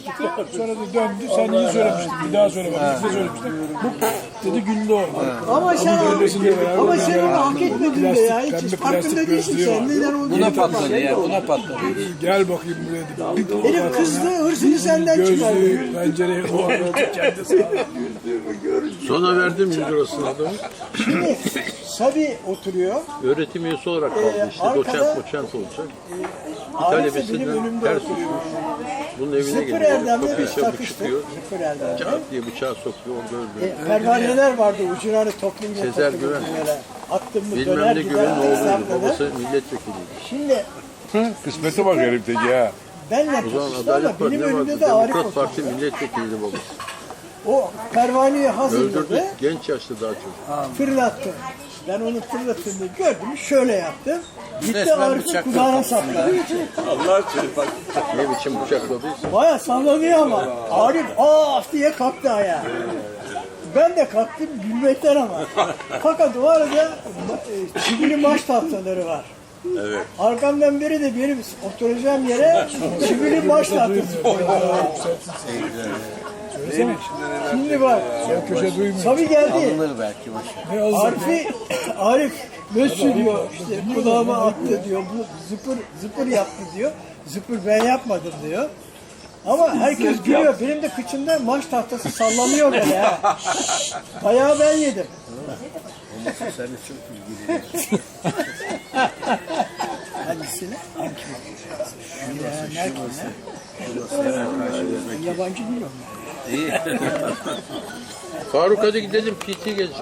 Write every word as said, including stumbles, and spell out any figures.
konuştuk. Sonra da döndü. Sen iyi söylemiştin. Bir daha söyle bana. Bir söylemiştin. Bu dedi güldü o. Ama sen, beraber ama sen onu hak etmedin de ya. Plastik, Hiç pembe farkında plastik değilsin gözlüğü sen. var. Neden olduğunu Buna patladı ya, buna patladı. Gel bakayım buraya dedi. Bir Herif kızdı, hırsını senden çıkardı. gözlüğü, pencereye o kendisi. Sonra verdim yüz lirasını adamı. Şimdi Sabi oturuyor. Öğretim üyesi olarak kaldı işte. arkada- Doçent moçent olacak. Arif de benim Talebesinden önümde ters oturuyor. düşmüş. Bunun evine Zıpır geliyor. Erdem'le Kapıyı biz çabuk takıştık. çıkıyor. Zıpır Erdem'le. Çat diye bıçağı sokuyor. Orada öldürüyor. E, pervaneler vardı ucuna hani toplayınca Sezer toplayınca Güven. böyle. Attım mı Bilmem döner ne gider. güvenin oğluydu. hesapları. Babası milletvekiliydi. Şimdi Kısmete bak herifteki ya. benle O zaman takıştı ama Adalet Partisi benim ne vardı? önümde de Arif Demokrat oturuyor. Parti milletvekiliydi babası. O pervaneyi Öldürdü. hazırladı. Genç yaşta daha çok. Fırlattı. Ben onu fırlattığında gördüm. Şöyle yaptım. Gitti Resmen Arif'in bıçakla kulağına sapladı. Ne biçim bıçakladıysa. Baya sallanıyor ama. Arif af diye kalktı ayağa. Ben de kalktım gülmekten ama. Fakat o arada e, çivili maç tahtaları var. Evet. Arkamdan biri de benim oturacağım yere çivili maç tahtası koydu. Şimdi bak. Köşe duymuyor. Sabi geldi. Alınır belki boşver. Arif'i, Arif nasıl diyor işte kulağıma attı diyor, bu zıpır zıpır yaptı diyor, zıpır ben yapmadım diyor. Ama herkes gülüyor, benim de kıçımda maç tahtası sallanıyor böyle ha. Bayağı ben yedim. Sen de çok ilgili. Hangisine? Hangisine? Yabancı biliyorum. İyi. Faruk hadi gidelim P T gelecek.